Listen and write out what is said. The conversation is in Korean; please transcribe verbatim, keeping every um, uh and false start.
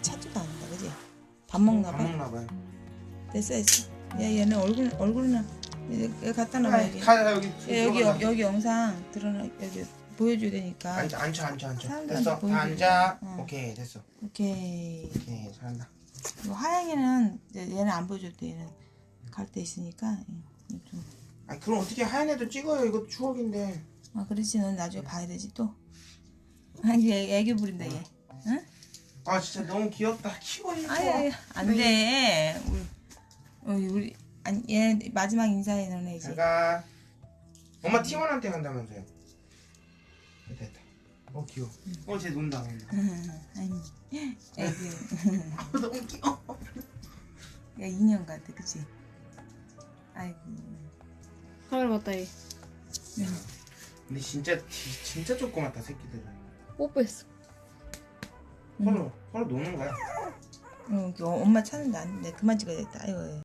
찾지도 않는다, 그지? 밥 먹나 봐. 밥 먹나 봐요. 됐어, 됐어. 야, 얘는 얼굴 얼굴이나 여기 갖다 놔 가, 여기. 가 여기. 야, 여기 들어가자. 여, 여기 영상 드러나 여기 보여줘야 되니까. 앉아 앉아 앉아 앉아. 사람들한테 됐어. 다 보여주고. 앉아. 응. 오케이 됐어. 오케이. 오케이 잘한다. 뭐 하양이는 이제 얘는 안 보여줘도 돼. 얘는 갈 때 있으니까. 예, 좀. 아 그럼 어떻게 하얀 애도 찍어요. 이거 추억인데. 아, 그렇지. 넌 나중에 봐야 되지 또. 아, 얘 애교 부린다 얘. 응? 아 진짜 너무 귀엽다. 키워 이거. 아예 안 돼. 우리 우리, 우리 아니 얘 마지막 인사해 너네 이제. 제가 엄마 티원한테 간다면서요. 됐다. 어 귀여워. 어쟤 논다 논다. 아니 애교. 아 너무 귀여워. 야 인형 같아, 그치? 아이고. 카메라 봤다 얘. 근데 진짜 지- 진짜 조그맣다 새끼들은. 뽀뽀했어. 서로 서로 노는 거야. 어, 엄마 찾는다. 안 돼. 그만 찍어야겠다. 아이고.